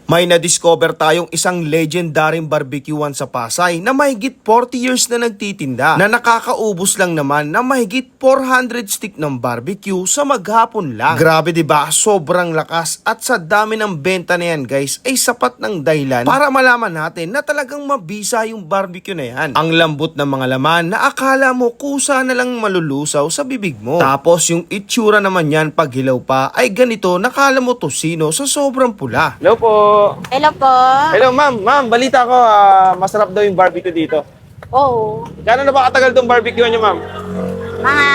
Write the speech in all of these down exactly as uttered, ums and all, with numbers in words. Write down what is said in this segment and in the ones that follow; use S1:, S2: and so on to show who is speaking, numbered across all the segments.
S1: May na-discover tayong isang legendaryong barbecuean sa Pasay na mahigit forty years na nagtitinda na nakakaubos lang naman na mahigit four hundred stick ng barbecue sa maghapon lang. Grabe diba? Sobrang lakas at sa dami ng benta na yan guys ay sapat ng dahilan para malaman natin na talagang mabisa yung barbecue na yan. Ang lambot ng mga laman na akala mo kusa na lang malulusaw sa bibig mo. Tapos yung itsura naman yan pag hilaw pa ay ganito nakala mo tosino sa sobrang pula.
S2: Hello po.
S3: Hello po.
S2: Hello, ma'am. Ma'am, balita ko, ah, masarap daw yung barbecue dito.
S3: Oo.
S2: Gano'n na ba katagal itong barbecue niyo, ma'am?
S3: Mga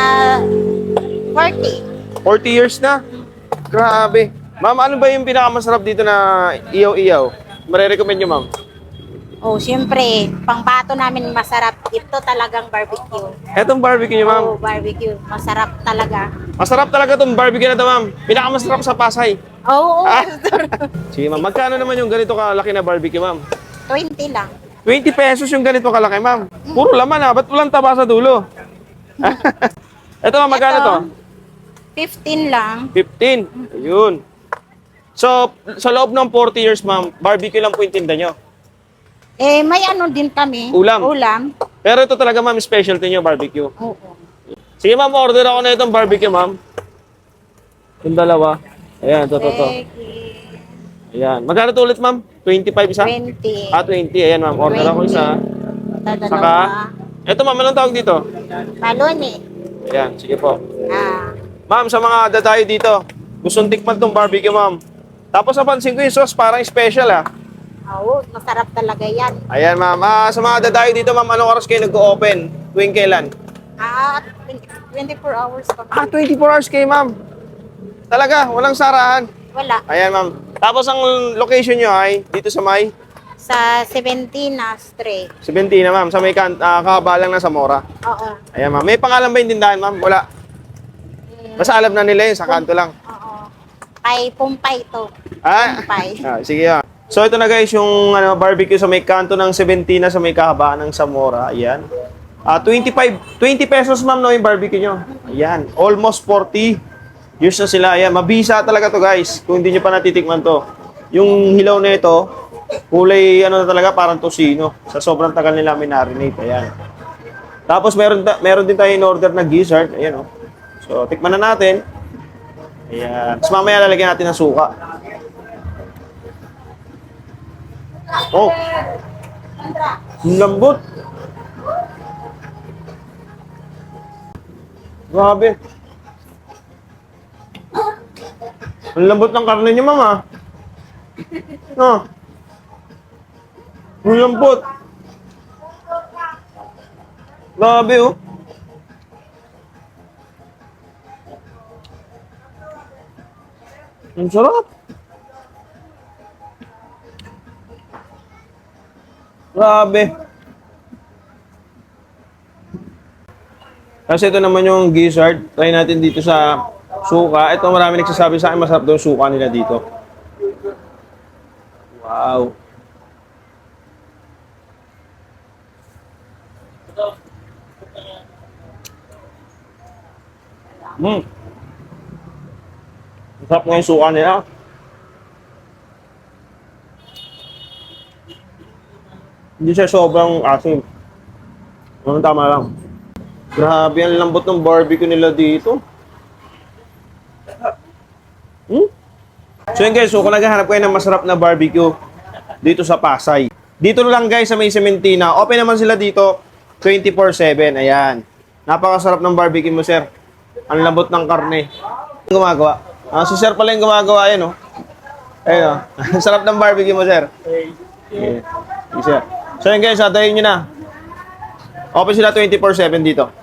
S3: forty.
S2: forty years na? Grabe. Ma'am, ano ba yung pinakamasarap dito na iyaw-iyaw? Mare-recommend niyo, ma'am?
S3: Oh, siyempre, pangbato namin masarap. Ito talagang barbecue.
S2: Etong barbecue niyo, ma'am.
S3: Oh, barbecue. Masarap talaga.
S2: Masarap talaga itong barbecue na ito, ma'am. Pinakamasarap sa Pasay.
S3: Oo. Oh,
S2: Ah. Sige, ma'am. Magkano naman yung ganito kalaki na barbecue, ma'am?
S3: twenty lang.
S2: twenty pesos yung ganito kalaki, ma'am. Puro laman, ha? Ba't walang taba sa dulo? Ito, ma'am, magkano
S3: Ito,
S2: to?
S3: fifteen lang.
S2: fifteen. Ayun. So, sa loob ng forty years, ma'am, barbecue lang po yung tinda nyo.
S3: Eh, may ano din kami.
S2: Ulam.
S3: Ulam.
S2: Pero ito talaga, ma'am, specialty nyo, barbecue.
S3: Oo.
S2: Sige, ma'am, order ako na itong barbecue, ma'am. Yung dalawa. Ayan, ito, ito, ito. Ayan. Magkano to ulit, ma'am? twenty-five isa?
S3: twenty.
S2: Ah, twenty. Ayan, ma'am. Order ako isa.
S3: Ito,
S2: Saka,
S3: dalawa.
S2: ito, ma'am, anong tawag dito?
S3: Balon eh.
S2: Ayan, sige po.
S3: Ah.
S2: Ma'am, sa mga dadayo dito, gustong tikman tong barbecue, ma'am. Tapos napansin ko yung sauce, parang special, ah.
S3: Oo, masarap talaga yan.
S2: Ayan, ma'am. Ah, sa mga dadayo dito, ma'am, anong oras kayo nag-open? Tuwing kailan?
S3: Ah, twenty-four hours pa.
S2: Ah, twenty-four hours kayo, ma'am. Talaga, walang sarahan.
S3: Wala.
S2: Ayan, ma'am. Tapos ang location nyo ay dito sa may
S3: Sa seventeen na stray.
S2: seventeen na, ma'am. Sa may kan uh, kabalang na Zamora.
S3: Oo.
S2: Ayan, ma'am. May pangalan ba yung tindahan, ma'am? Wala. Basta alam na nila yun, sa kanto lang.
S3: Oo. Kay Pumpay to.
S2: Ah,
S3: Pumpay.
S2: ah sige, ah. So, ito na guys, yung ano, barbecue sa may kanto ng seventeen na sa may kahabaan ng Zamora. Ayan. Ah, twenty-five, twenty pesos, ma'am, no, yung barbecue nyo. Ayan. Almost forty. Years na sila. Ayan, mabisa talaga to guys. Kung hindi nyo pa natitikman to. Yung hilaw na ito, kulay ano na talaga, parang tosino. Sa sobrang tagal nila minarinate. Ayan. Tapos meron, meron din tayo in order na gizzard. Ayan, oh. So, tikman na natin. Ayan. Tapos mamaya lalagyan natin ng suka. Oh. Ang lambot. Grabe. Ang lambot ng karne niyo, mama. No. Ang lambot. Grabe, oh. Ang sarap. Grabe. Kasi ito naman yung gizzard. Try natin dito sa suka. Ito marami nagsasabi sa akin masarap daw yung suka nila dito. Wow. Hmm. Masarap nga yung suka nila. Hindi siya sobrang asim. Ano, tama lang. Grabe, ang lambot ng barbecue nila dito. Hmm? So yun guys, so kung naghahanap kayo ng masarap na barbecue dito sa Pasay, dito lang guys sa may Sementina, open naman sila dito twenty-four seven. Ayan. Napakasarap ng barbecue mo, sir. Ang lambot ng karne. Ang gumagawa. Ah, si sir pala yung gumagawa, ayan, oh. Ayun, oh. Sarap ng barbecue mo, sir. Yeah. Yeah, sir. So yun guys, atayin nyo na. Open sila twenty-four seven dito.